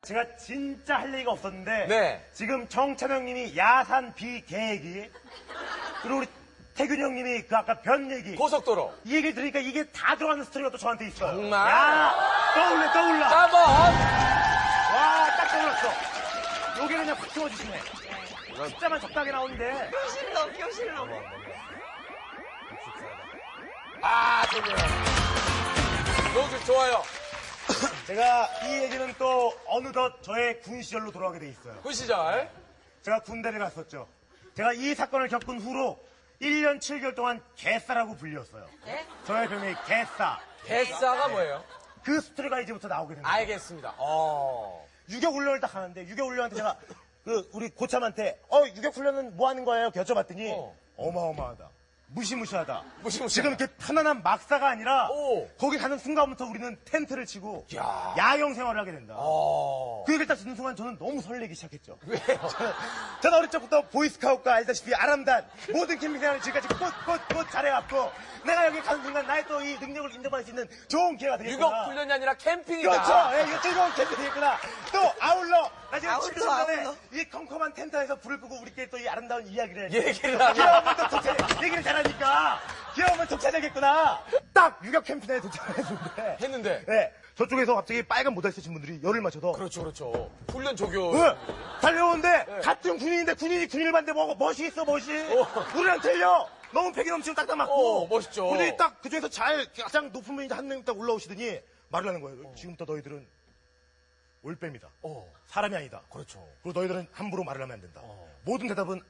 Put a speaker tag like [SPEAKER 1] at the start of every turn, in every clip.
[SPEAKER 1] 제가 진짜 할 얘기가 없었는데
[SPEAKER 2] 네.
[SPEAKER 1] 지금 정찬 형님이 야산 비 계획이 그리고 우리 태균 형님이 그 아까 변 얘기
[SPEAKER 2] 고속도로.
[SPEAKER 1] 이 얘기를 들으니까 이게 다 들어가는 스토리가 또 저한테 있어요.
[SPEAKER 2] 정말?
[SPEAKER 1] 야, 떠올라.
[SPEAKER 2] 한번.
[SPEAKER 1] 와, 딱 떠올랐어. 여기는 그냥 확 채워주시네. 숫자만 적당하게 나오는데.
[SPEAKER 3] 교실 넘어.
[SPEAKER 2] 아, 좋네요. 너무 좋아요.
[SPEAKER 1] 제가 이 얘기는 또 어느덧 저의 군 시절로 돌아가게 돼 있어요.
[SPEAKER 2] 그 시절.
[SPEAKER 1] 제가 군대를 갔었죠. 제가 이 사건을 겪은 후로 1년 7개월 동안 개싸라고 불렸어요.
[SPEAKER 3] 네?
[SPEAKER 1] 저의 별명이 개싸.
[SPEAKER 2] 개싸가 뭐예요?
[SPEAKER 1] 그 스토리가 이제부터 나오게 됩니다.
[SPEAKER 2] 알겠습니다.
[SPEAKER 1] 유격 훈련을 딱 하는데 유격 훈련한테 제가 우리 고참한테 유격 훈련은 뭐 하는 거예요? 여쭤봤더니 어마어마하다. 무시무시하다. 지금 이렇게 편안한 막사가 아니라 거기 가는 순간부터 우리는 텐트를 치고
[SPEAKER 2] 야.
[SPEAKER 1] 야영 생활을 하게 된다. 그 얘기를 딱 듣는 순간 저는 너무 설레기 시작했죠.
[SPEAKER 2] 왜요?
[SPEAKER 1] 저는 어릴 적부터 보이스카우트가 알다시피 아람단 모든 캠핑 생활을 지금까지 꽃 잘해갖고 내가 여기 가는 순간 나의 또 이 능력을 인정받을 수 있는 좋은 기회가 되겠구나.
[SPEAKER 2] 유격 훈련이 아니라 캠핑이다.
[SPEAKER 1] 그렇죠. 예, 이거 즐거운 캠핑이 되겠구나. 또 아울러 나 지금
[SPEAKER 3] 아울러,
[SPEAKER 1] 7년 전에
[SPEAKER 3] 아울러.
[SPEAKER 1] 이 컴컴한 텐트 안에서 불을 끄고 우리끼리 또 이 아름다운 이야기를
[SPEAKER 2] 얘기를 하면.
[SPEAKER 1] 귀여우면 또 독차 얘기를 잘하니까 귀여우면 독차되겠구나. 딱 유격 캠핑에 도착했는데 네, 저쪽에서 갑자기 빨간 모자 쓰신 분들이 열을 맞춰서
[SPEAKER 2] 그렇죠. 훈련 조교.
[SPEAKER 1] 달려오는데 같은 군인인데 군인이 군인을 봤는데 뭐 멋이 있어 멋이. 우리랑 틀려. 너무 패기 넘치고 딱딱 맞고.
[SPEAKER 2] 멋있죠.
[SPEAKER 1] 근데 딱 그중에서 가장 높은 분이 한 명 딱 올라오시더니 말을 하는 거예요. 지금부터 너희들은 올빼미다. 사람이 아니다.
[SPEAKER 2] 그렇죠.
[SPEAKER 1] 그리고 너희들은 함부로 말을 하면 안 된다. 모든 대답은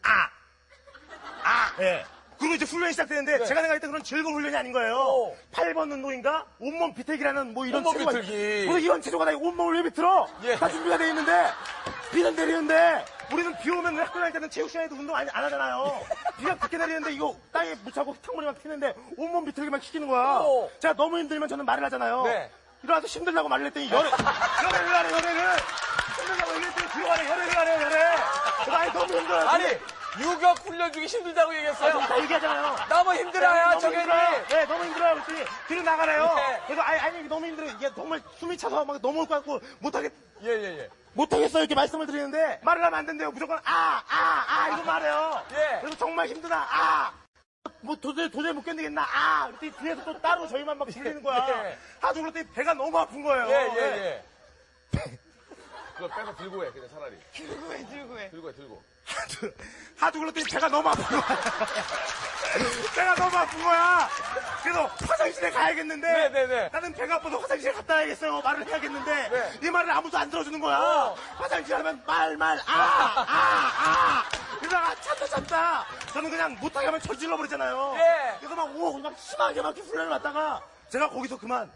[SPEAKER 1] 예. 그리고 이제 훈련이 시작되는데 제가 생각할 때 그런 즐거운 훈련이 아닌 거예요. 8번 운동인가? 온몸 비틀기라는 뭐 이런
[SPEAKER 2] 온몸
[SPEAKER 1] 체조가
[SPEAKER 2] 비틀기.
[SPEAKER 1] 그래서 이런 체조가 다 온몸을 왜 비틀어?
[SPEAKER 2] 예.
[SPEAKER 1] 다 준비가 돼 있는데 비는 내리는데 우리는 비 오면 학교 다닐 때는 체육 시간에도 운동 안 하잖아요. 비가 그렇게 내리는데 이거 땅에 묻혀고 탕물이 막 튀는데 온몸 비틀기만 시키는 거야. 제가 너무 힘들면 저는 말을 하잖아요.
[SPEAKER 2] 네.
[SPEAKER 1] 일어나서 힘들다고 말을 했더니 열애를 하래 열애를 힘들다고 얘기했더니 들어가래 열애를 하래 열애. 아니 너무 힘들어요.
[SPEAKER 2] 아니, 유격 훈련 중에 힘들다고 얘기했어요.
[SPEAKER 1] 다 얘기하잖아요.
[SPEAKER 2] 너무 힘들어요,
[SPEAKER 1] 너무
[SPEAKER 2] 저게.
[SPEAKER 1] 힘들어요. 네, 너무 힘들어요. 그랬더니 뒤로 나가래요.
[SPEAKER 2] 네.
[SPEAKER 1] 그래서 아니 너무 힘들어요. 이게 정말 숨이 차서 막 넘어올 것 같고
[SPEAKER 2] 예.
[SPEAKER 1] 못하겠어요. 이렇게 말씀을 드리는데 말을 하면 안 된대요. 무조건 이거 말해요.
[SPEAKER 2] 예.
[SPEAKER 1] 그래서 정말 힘드다. 뭐 도저히 못 견디겠나. 그랬더니 뒤에서 또 따로 저희만 막 불리는 거야.
[SPEAKER 2] 예.
[SPEAKER 1] 하도 그랬더니 배가 너무 아픈 거예요.
[SPEAKER 2] 예. 그거 빼서 들고 해, 그냥 차라리.
[SPEAKER 3] 들고 해.
[SPEAKER 2] 들고.
[SPEAKER 1] 하도 그랬더니 배가 너무 아픈 거야. 배가 너무 아픈 거야. 그래서 화장실에 가야겠는데
[SPEAKER 2] 네네네.
[SPEAKER 1] 나는 배가 아파서 화장실에 갔다 와야겠어요. 말을 해야겠는데 이 말을 아무도 안 들어주는 거야. 화장실 하면 이러다가 찾다 저는 그냥 못하게 하면 저질러 버리잖아요.
[SPEAKER 2] 예.
[SPEAKER 1] 그래서 막 심하게 막 이렇게 훈련을 받다가 제가 거기서 그만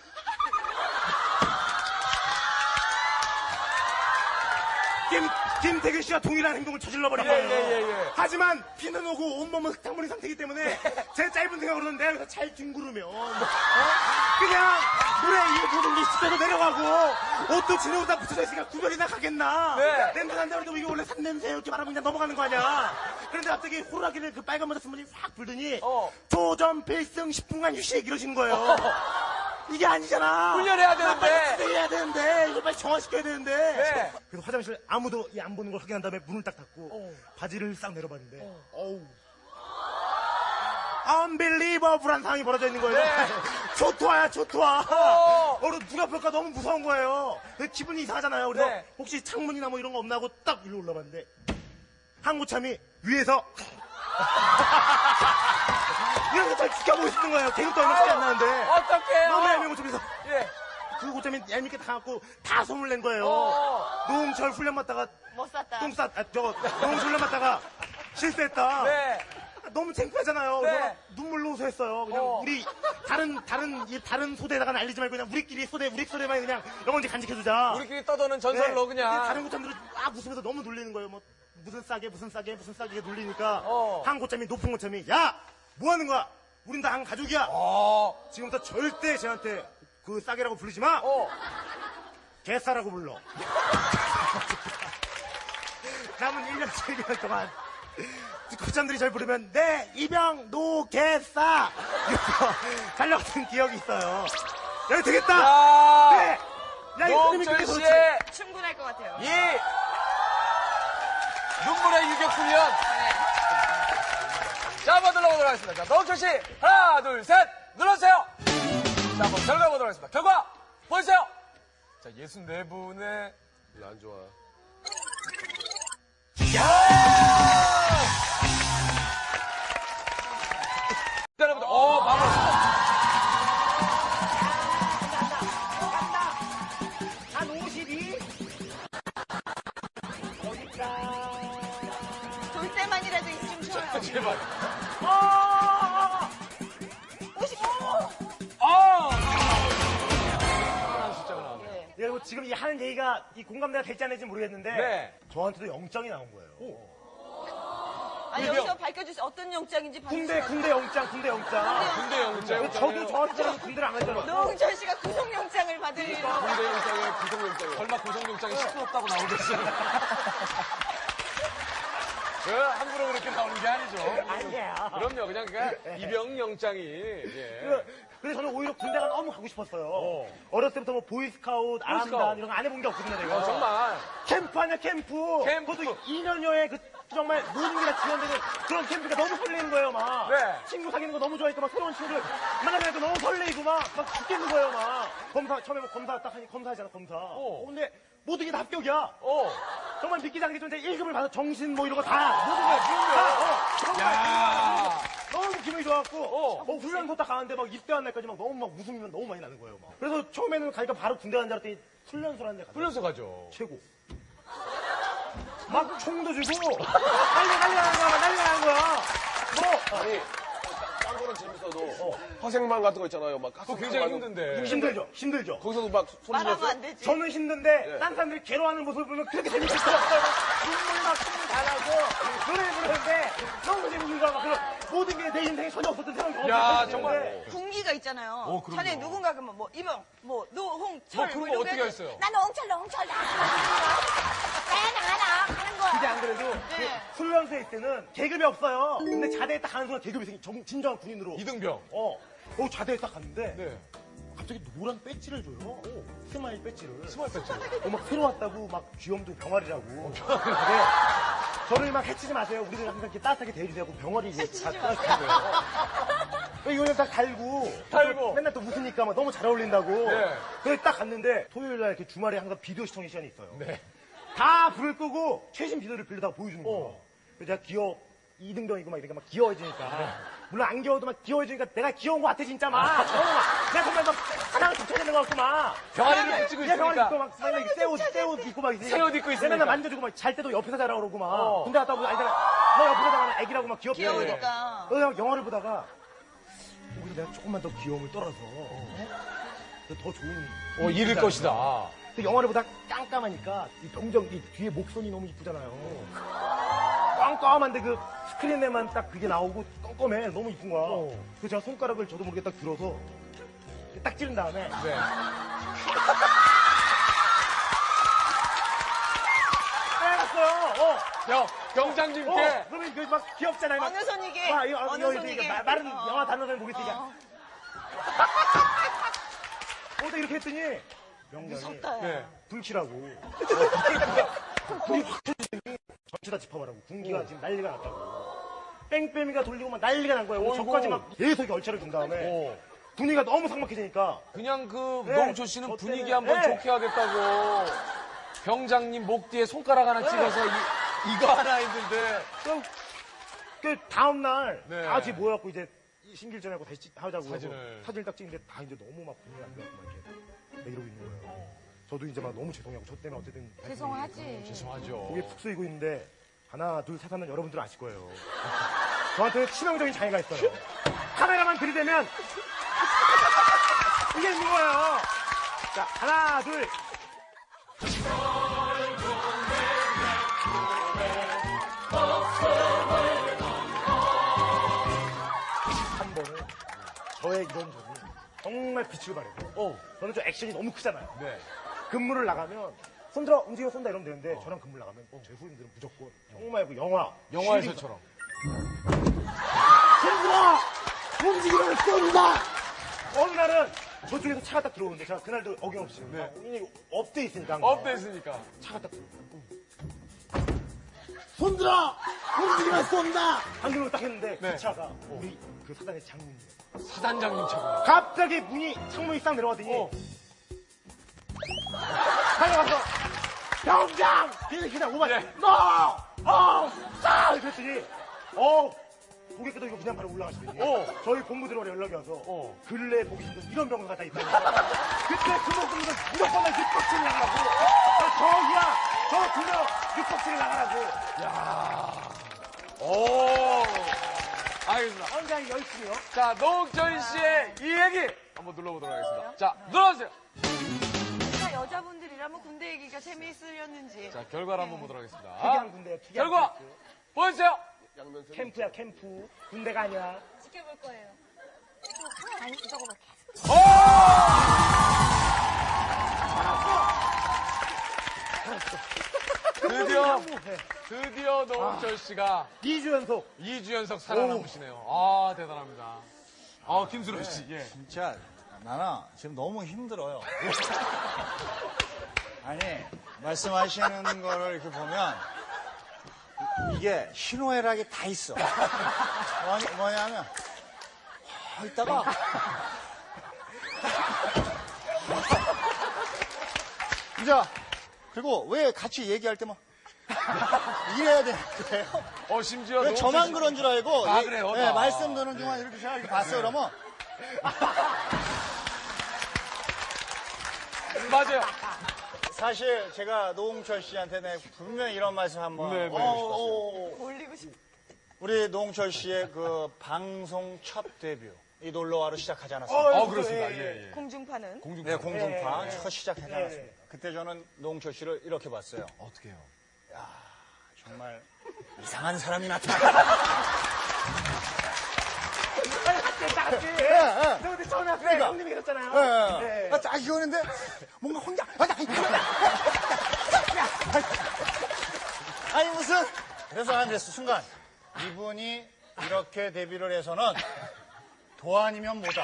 [SPEAKER 1] 김태균 씨와 동일한 행동을 저질러버린 거예요.
[SPEAKER 2] 예.
[SPEAKER 1] 하지만 비는 오고 온몸은 흙탕물인 상태이기 때문에 제 짧은 생각으로는 내가 여기서 잘 뒹구르면 그냥 물에 이 모든 게 씻겨서 내려가고 옷도 진흙으로 다 붙여져 있으니까 구별이나 가겠나.
[SPEAKER 2] 네.
[SPEAKER 1] 냄새 난다 그래도 이게 원래 산냄새 이렇게 말하면 그냥 넘어가는 거 아니야. 그런데 갑자기 호루라기를 그 빨간 모자 쓴 분이 확 불더니 조전 필승 10분간 휴식 이러신 거예요. 이게 아니잖아.
[SPEAKER 2] 훈련해야 되는데.
[SPEAKER 1] 해야 되는데. 이거 빨리 정화시켜야 되는데.
[SPEAKER 2] 네.
[SPEAKER 1] 그래서 화장실 아무도 안 보는 걸 확인한 다음에 문을 딱 닫고 바지를 싹 내려봤는데 unbelievable한 상황이 벌어져 있는 거예요.
[SPEAKER 2] 네.
[SPEAKER 1] 초토화야. 누가 볼까 너무 무서운 거예요. 기분이 이상하잖아요. 그래서
[SPEAKER 2] 네.
[SPEAKER 1] 혹시 창문이나 뭐 이런 거 없나 하고 딱 일로 올라봤는데 항구참이 위에서 이런 거잘 지켜보고 있는 거예요. 계급도 얼마 차이 안 나는데.
[SPEAKER 2] 어떡해요?
[SPEAKER 1] 너무 얄미운 곳에서
[SPEAKER 2] 예.
[SPEAKER 1] 그 고참이 얄밉게 당하고 다 소문을 낸 거예요. 노홍철 훈련 받다가
[SPEAKER 3] 못 샀다.
[SPEAKER 1] 노홍철 훈련 받다가 실수했다.
[SPEAKER 2] 네.
[SPEAKER 1] 너무 창피하잖아요.
[SPEAKER 2] 네.
[SPEAKER 1] 그래서 눈물로 호소했어요. 그냥 우리 다른 소대에다가는 알리지 말고 그냥 우리 소대만 그냥 영원히 간직해두자.
[SPEAKER 2] 우리끼리 떠도는 전설로
[SPEAKER 1] 근데
[SPEAKER 2] 그냥.
[SPEAKER 1] 다른 고참들은 막 웃으면서 너무 놀리는 거예요. 뭐 무슨 싸게 놀리니까 한 고참이 높은 고참이 야 뭐 하는 거야? 우린 다 한 가족이야. 지금부터 절대 쟤한테 그 싸게라고 부르지 마. 개싸라고 불러. 남은 1년 7개월 동안 고참들이 절 부르면 네 이병 노 개싸 이러면서 달려갔던 기억이 있어요. 여기 되겠다. 네. 야, 이
[SPEAKER 2] 노홍철 씨의
[SPEAKER 3] 충분할 같아요.
[SPEAKER 2] 이 눈물의 유격 훈련. 자, 한번 눌러보도록 하겠습니다. 자, 노홍철 씨, 하나, 둘, 셋, 눌러주세요. 자, 한번 결과 보도록 하겠습니다. 결과, 보여주세요. 자, 64분의.
[SPEAKER 4] 별로 안 좋아.
[SPEAKER 2] 여러분들, 마무리.
[SPEAKER 1] 한 52?
[SPEAKER 3] 돌 때만이라도 있으면 좋아요.
[SPEAKER 2] 제발.
[SPEAKER 3] 55!
[SPEAKER 2] 숫자가 나왔네.
[SPEAKER 1] 여러분 지금 이 하는 얘기가 이 공감대가 될지 안 될지 모르겠는데
[SPEAKER 2] 네.
[SPEAKER 1] 저한테도 영장이 나온 거예요.
[SPEAKER 3] 아니, 여기서 밝혀주세요. 어떤 영장인지 밝혀주세요.
[SPEAKER 1] 군대 영장.
[SPEAKER 2] 군대 영장.
[SPEAKER 1] 저도 저한테 군대를 안 갔잖아요.
[SPEAKER 3] 노홍철 씨가 구속영장을 받을 일은
[SPEAKER 2] 군대 영장에 구속영장에. 설마 구속영장이 시끄럽다고 나오겠어요? 함부로 그렇게 나오는 게 아니죠.
[SPEAKER 1] 아니야.
[SPEAKER 2] 그럼요. 그냥 입영영장이. 예.
[SPEAKER 1] 그래서 저는 오히려 군대가 너무 가고 싶었어요. 어렸을 때부터 뭐 보이스카우트, 아람단 이런 거 안 해본 게 없거든요, 내가.
[SPEAKER 2] 정말.
[SPEAKER 1] 캠프 아니야, 캠프.
[SPEAKER 2] 캠프.
[SPEAKER 1] 그것도 2년여에 그 정말 모든 게 다 지원되는 그런 캠프가 너무 설레는 거예요, 막.
[SPEAKER 2] 네.
[SPEAKER 1] 친구 사귀는 거 너무 좋아하니까 막 새로운 친구들 만나니까 너무 설레이고 막 죽겠는 거예요, 막. 처음에 뭐 검사 딱 하니 검사하잖아, 검사. 근데 모든 게 다 합격이야. 정말 믿기지 않게 좀 1급을 받아 정신 뭐 이런 거 다 모든 거 정말
[SPEAKER 2] 야.
[SPEAKER 1] 너무 기분이 좋았고 훈련소 딱 가는데 막 입대한 날까지 막 너무 막 웃음이 너무 많이 나는 거예요. 막. 그래서 처음에는 가니까 바로 군대 간 줄 알았더니 훈련소라는 데 가서
[SPEAKER 2] 훈련소 가죠.
[SPEAKER 1] 최고. 막 총도 주고 난리나는 거야. 뭐
[SPEAKER 4] 아니, 딴 거는 재밌어도 화생방 같은 거 있잖아요. 막
[SPEAKER 2] 그거 굉장히 힘든데.
[SPEAKER 1] 힘들죠.
[SPEAKER 4] 거기서도 막 소리
[SPEAKER 3] 말하면
[SPEAKER 4] 질렀어요?
[SPEAKER 3] 안 되지.
[SPEAKER 1] 저는 힘든데 딴 사람들이 괴로워하는 모습을 보면 그렇게 재밌겠어요. 눈물 막 춤을 잘하고 노래 부르는데 너무 재밌는 거야. 그런 모든 게 내 인생에 전혀 없었던 생각이
[SPEAKER 2] 야, 정말.
[SPEAKER 3] 군기가 있잖아요.
[SPEAKER 2] 그럼요.
[SPEAKER 3] 전에 누군가가 뭐 이병, 뭐 노홍철.
[SPEAKER 2] 그런 거
[SPEAKER 3] 이런
[SPEAKER 2] 어떻게
[SPEAKER 3] 거
[SPEAKER 2] 했어요?
[SPEAKER 3] 나는 홍철 나. 나야 하는 거야.
[SPEAKER 1] 근데 안 그래도
[SPEAKER 3] 네.
[SPEAKER 1] 그 훈련소에 있을 때는 계급이 없어요. 근데 자대에 딱 가는 순간 계급이 생긴 진정한 군인으로.
[SPEAKER 2] 이등병.
[SPEAKER 1] 자대에 딱 갔는데
[SPEAKER 2] 네.
[SPEAKER 1] 갑자기 노란 배지를 줘요. 스마일 배지를.
[SPEAKER 2] 스마일 배지.
[SPEAKER 1] 막 새로 왔다고 막 귀염둥 병아리라고. 근데 저를 막 해치지 마세요. 우리들 항상 이렇게 따뜻하게 대해주세요. 하고 병아리 이제 다 따뜻한 거예요. 이거는 다 달고 맨날 또 웃으니까 막 너무 잘 어울린다고.
[SPEAKER 2] 네.
[SPEAKER 1] 그래서 딱 갔는데 토요일 날 이렇게 주말에 항상 비디오 시청의 시간이 있어요.
[SPEAKER 2] 네.
[SPEAKER 1] 다 불을 끄고 최신 비디오를 빌려다가 보여주는 거예요. 그래서 제가 이등병이고 막 이렇게 막 귀여워지니까. 물론 안 귀여워도 막 귀여워지니까 내가 귀여운 거 같아, 진짜 막. 내가 정말 막 하나가 덮쳐야 되는 거 같고 막.
[SPEAKER 2] 병아리를 붙이고
[SPEAKER 1] 병아리
[SPEAKER 2] 있으니까.
[SPEAKER 1] 입고 막 맨날 새 옷 입고 막 있으니까.
[SPEAKER 2] 새 옷 입고 있으니까.
[SPEAKER 1] 맨날 만져주고 막 잘 때도 옆에서 자라 그러고 막. 군대 갔다 오고 아니잖아. 너 옆에서 자라는 애기라고 막 귀엽게.
[SPEAKER 3] 귀여우니까.
[SPEAKER 1] 그래서 영화를 보다가 오히려 내가 조금만 더 귀여움을 떨어서 더 좋은.
[SPEAKER 2] 잃을 것이다.
[SPEAKER 1] 근데 영화를 보다 깜깜하니까 이 병정 이 뒤에 목선이 너무 이쁘잖아요. 깜깜한데 그 스크린에만 딱 그게 나오고 껌껌해. 너무 이쁜 거야. 그래서 제가 손가락을 저도 모르게 딱 들어서 이렇게 딱 찌른 다음에
[SPEAKER 2] 네.
[SPEAKER 1] 빼갔어요.
[SPEAKER 2] 병장님께.
[SPEAKER 1] 그러면 이거 막 귀엽잖아요. 막.
[SPEAKER 3] 어느 손이게?
[SPEAKER 1] 와, 이거
[SPEAKER 3] 어느
[SPEAKER 1] 이거
[SPEAKER 3] 손이게?
[SPEAKER 1] 이게 마른 영화 단어를 보겠으니까. 이렇게 했더니 명령이
[SPEAKER 3] 무섭다.
[SPEAKER 2] 네.
[SPEAKER 1] 불키라고. 불이 확 터지더니 전체 다 짚어봐라고. 군기가 지금 난리가 났다고. 뺑뺑이가 돌리고 막 난리가 난 거예요. 저까지 막 계속 열차를 준 다음에 분위기가 너무 삭막해지니까
[SPEAKER 2] 그냥 그
[SPEAKER 1] 네.
[SPEAKER 2] 노홍철 씨는
[SPEAKER 1] 저
[SPEAKER 2] 분위기
[SPEAKER 1] 때문에.
[SPEAKER 2] 한번
[SPEAKER 1] 네.
[SPEAKER 2] 좋게 하겠다고 병장님 목 뒤에 손가락 하나 찍어서 이거 하나 했는데
[SPEAKER 1] 그 다음날
[SPEAKER 2] 네.
[SPEAKER 1] 다 같이 모여갖고 이제 신길전하고 다시 하자고
[SPEAKER 2] 사진을.
[SPEAKER 1] 사진을 딱 찍는데 다 이제 너무 막 분위기가 안 좋았고 막 이렇게 이러고 있는 거예요. 저도 이제 막 너무 죄송하고 저 때문에 어쨌든
[SPEAKER 3] 죄송하지.
[SPEAKER 2] 죄송하죠.
[SPEAKER 1] 고개 푹 쓰이고 있는데 하나 둘 셋 하면 여러분들은 아실 거예요. 저한테 치명적인 장애가 있어요. 카메라만 들이대면 이게 있는 거예요. 자 하나 둘. 한 번은 저의 이런 점이 정말 빛을 발해요. 저는 좀 액션이 너무 크잖아요.
[SPEAKER 2] 네.
[SPEAKER 1] 근무를 나가면 손들어 움직여 쏜다 이러면 되는데 저랑 근무를 나가면 제 후임들은 무조건 정말 그 영화에서처럼 손들어 움직이면 쏜다 어느 날은 저쪽에서 차가 딱 들어오는데 제가 그날도 어김없이
[SPEAKER 2] 네.
[SPEAKER 1] 이게 업돼 있으니까
[SPEAKER 2] 업돼 있으니까.
[SPEAKER 1] 차가 딱 들어오고 손들어! 움직이면 쏜다! 방금으로 딱 했는데
[SPEAKER 2] 네.
[SPEAKER 1] 그 차가 우리 그 사단의 장군이에요.
[SPEAKER 2] 사단장님 차가.
[SPEAKER 1] 갑자기 창문이 싹 내려가더니
[SPEAKER 2] 어.
[SPEAKER 1] 달려가서 병장! 그냥 오만
[SPEAKER 2] 예.
[SPEAKER 1] 너! 싹! 그랬더니 고개 끄덕이고 그냥 바로 올라가시더니 저희 본부들어로 연락이 와서 근래 보기 힘든 이런 병사가 다 있다고 그때 그 목숨은 무조건 날 육박치를 나가라고 저기야 저 두 명 육박치를 나가라고
[SPEAKER 2] 오. 알겠습니다.
[SPEAKER 1] 굉장히 열심히요.
[SPEAKER 2] 자, 노홍철 씨의 이 얘기 한번 눌러보도록 하겠습니다. 자, 눌러주세요.
[SPEAKER 3] 진짜 여자분들이라면 군대 얘기가 재미있으렸는지.
[SPEAKER 2] 자, 결과를 한번 보도록 하겠습니다.
[SPEAKER 1] 특이한 군대예요. 특이한
[SPEAKER 2] 결과
[SPEAKER 1] 캠프.
[SPEAKER 2] 보여주세요.
[SPEAKER 1] 캠프야 캠프 군대가 아니야.
[SPEAKER 3] 지켜볼 거예요. 아니, 저거 봐.
[SPEAKER 2] 드디어 노홍철 씨가
[SPEAKER 1] 2주 연속
[SPEAKER 2] 2주 연속 살아남으시네요. 아, 대단합니다. 김수로 씨, 예.
[SPEAKER 5] 진짜 나는 지금 너무 힘들어요. 아니 말씀하시는 거를 이렇게 보면 이게 희노애락이 다 있어. 뭐냐면 이따가 이제 그리고 왜 같이 얘기할 때만 이래야 되는 거예요?
[SPEAKER 2] 심지어
[SPEAKER 5] 왜
[SPEAKER 2] 노홍철
[SPEAKER 5] 저만
[SPEAKER 2] 씨-
[SPEAKER 5] 그런 줄 알고
[SPEAKER 2] 아, 그래요?
[SPEAKER 5] 네,
[SPEAKER 2] 아.
[SPEAKER 5] 말씀 드는 동안 이렇게 제가 이렇게 봤어요. 그러면
[SPEAKER 2] 맞아요.
[SPEAKER 5] 사실 제가 노홍철 씨한테 분명히 이런 말씀 한번
[SPEAKER 2] 네, 네.
[SPEAKER 3] 올리고 싶어.
[SPEAKER 5] 우리 노홍철 씨의 그 방송 첫 데뷔 이 놀러와로 시작하지 않았습니까?
[SPEAKER 2] 그렇습니다. 예, 예.
[SPEAKER 3] 공중파는.
[SPEAKER 5] 네, 공중파
[SPEAKER 1] 예, 예.
[SPEAKER 5] 첫 시작하지 않았습니까? 그때 저는 노홍철 씨를 이렇게 봤어요.
[SPEAKER 2] 어떻게 해요?
[SPEAKER 5] 정말 이상한 사람이 나타났다.
[SPEAKER 1] 딱 같이
[SPEAKER 5] 예.
[SPEAKER 1] 저 그때 처음에 왔을 때
[SPEAKER 5] 그러니까.
[SPEAKER 1] 형님이 그랬잖아요. 네.
[SPEAKER 5] 딱 이거는데 뭔가 혼자 아니 무슨 그래서 난 그랬어 순간 이분이 이렇게 데뷔를 해서는 도 아니면 뭐다.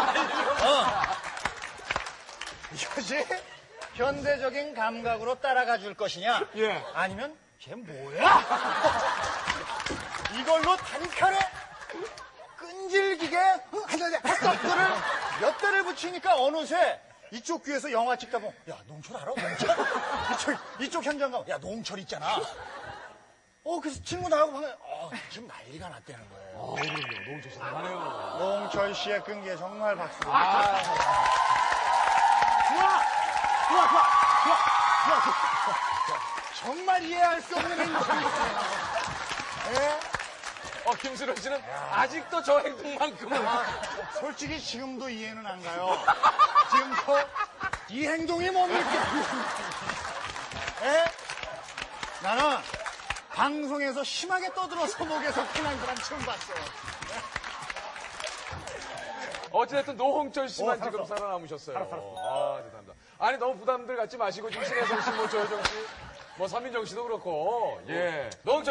[SPEAKER 5] 이것이 현대적인 감각으로 따라가 줄 것이냐
[SPEAKER 2] 예.
[SPEAKER 5] 아니면 쟤 뭐야 이걸로 단칼에 끈질기게 스톱들을 몇 대를 붙이니까 어느새 이쪽 귀에서 영화 찍다 보면 야 노홍철 알아? 노홍철? 이쪽 현장 가면 야 노홍철 있잖아. 그래서 친구 나하고 방에 지금 난리가 났다는 거예요.
[SPEAKER 2] 그럼요. 노홍철 씨 대단해요.
[SPEAKER 5] 노홍철 씨의 끈기에 정말 박수. 정말 이해할 수 없는 행동이었어요.
[SPEAKER 2] 김수로 씨는 아직도 저 행동만큼은
[SPEAKER 5] 솔직히 지금도 이해는 안 가요. 지금도 이 행동이 뭡니까? 나는 방송에서 심하게 떠들어서 목에서 피난 사람 처음 봤어.
[SPEAKER 2] 어찌됐든 노홍철 씨만
[SPEAKER 1] 살았어.
[SPEAKER 2] 지금 살아남으셨어요.
[SPEAKER 1] 살았어.
[SPEAKER 2] 대단합니다. 아니, 너무 부담들 갖지 마시고, 지금 신혜성 씨, 조효정 씨, 서민정 씨도 그렇고, 예. 노홍철